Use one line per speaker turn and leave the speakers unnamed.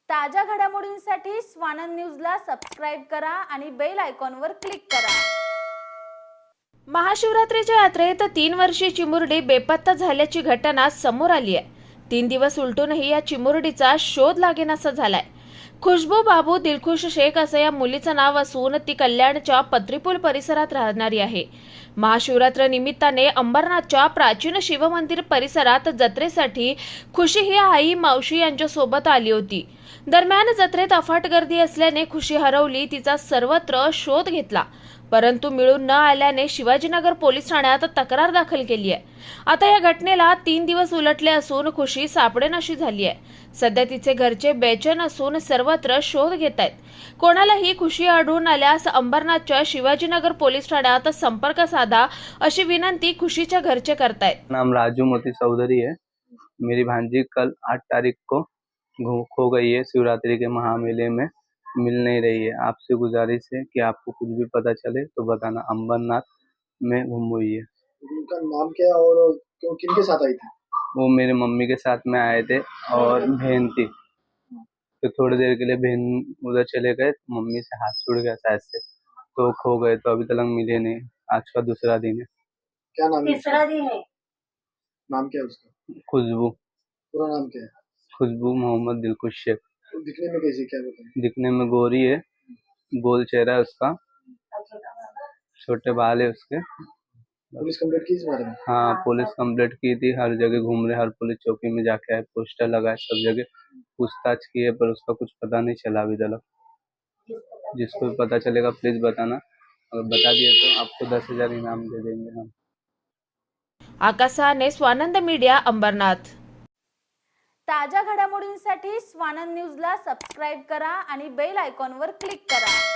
ताज्या घडामोडींसाठी स्वानंद न्यूजला सबस्क्राइब करा आणि बेल आयकॉनवर क्लिक करा।
महाशिवरात्रीच्या यात्रेत 3 वर्षीय चिमुरडी बेपत्ता झाल्याची घटना समोर आली आहे। 3 दिवस उलटूनही या चिमुरडीचा शोध लागेनासा झालाय। खुशबू बाबू दिलखुश शेख असं या मुलीचं नाव असून ती कल्याणच्या पत्रीपूल परिसरात राहणारी आहे। महाशिवरात्र निमित्ताने अंबरनाथच्या प्राचीन शिवमंदिर परिसरात जत्रेसाठी खुशी ही आई मावशी यांच्या सोबत आली होती। दरम्यान जत्रेत अफाट गर्दी असल्याने खुशी हरवली। तिचा सर्वत्र शोध घेतला, परंतु मिळून न आल्याने शिवाजीनगर पोलीस ठाण्यात तक्रार दाखल केली आहे। आता या घटनेला 3 दिवस उलटले असून खुशी सापडेनाशी झाली आहे। सध्या तिचे घरचे बेचैन असून सर्वत्र शोध घेत आहेत। कोणालाही खुशी आढळून आल्यास अंबरनाथच्या शिवाजीनगर पोलीस ठाण्यात संपर्क साधा अशी विनंती खुशीच्या घरचे करतायत।
नाम राजू मोती चौधरी है। मेरी भांजी कल 8 तारीख को खो गई है। शिवरात्रि के महामेले में मिल नहीं रही है। आपसे गुजारिश है कि आपको कुछ भी पता चले तो बताना। अंबरनाथ में गुम हुई है।
उनका नाम क्या है और किनके साथ आई थी?
वो मेरे मम्मी के साथ में आए थे और बहन थी। तो थोड़ी देर के लिए बहन उधर चले गए, मम्मी से हाथ छूट गया शायद से, तो खो गए। तो अभी तक मिले नहीं। आज का दूसरा दिन है।
क्या नाम है?
तीसरा दिन है।
नाम क्या है उसका?
खुशबू।
पूरा नाम क्या है?
खुशबू मोहम्मद दिलखुश शेख।
तो दिखने में कैसी, क्या बताएं?
दिखने में गोरी है, गोल चेहरा है उसका, छोटे बाल है उसके।
पुलिस कंप्लेंट की इस बारे में?
हाँ, पुलिस कंप्लेंट की थी। हर जगह घूम रहे, हर पुलिस चौकी में जाके आए, पोस्टर लगाए, सब जगह पूछताछ की है, पर उसका कुछ पता नहीं चला अभी तक। जिसको भी पता चलेगा प्लीज बताना। अगर बता दिए तो आपको 10,000 इनाम दे देंगे हम।
आकाशाने स्वानंद मीडिया अंबरनाथ।
ताज्या घडामोडींसाठी स्वानंद न्यूजला सबस्क्राइब करा आणि बेल आयकॉनवर क्लिक करा।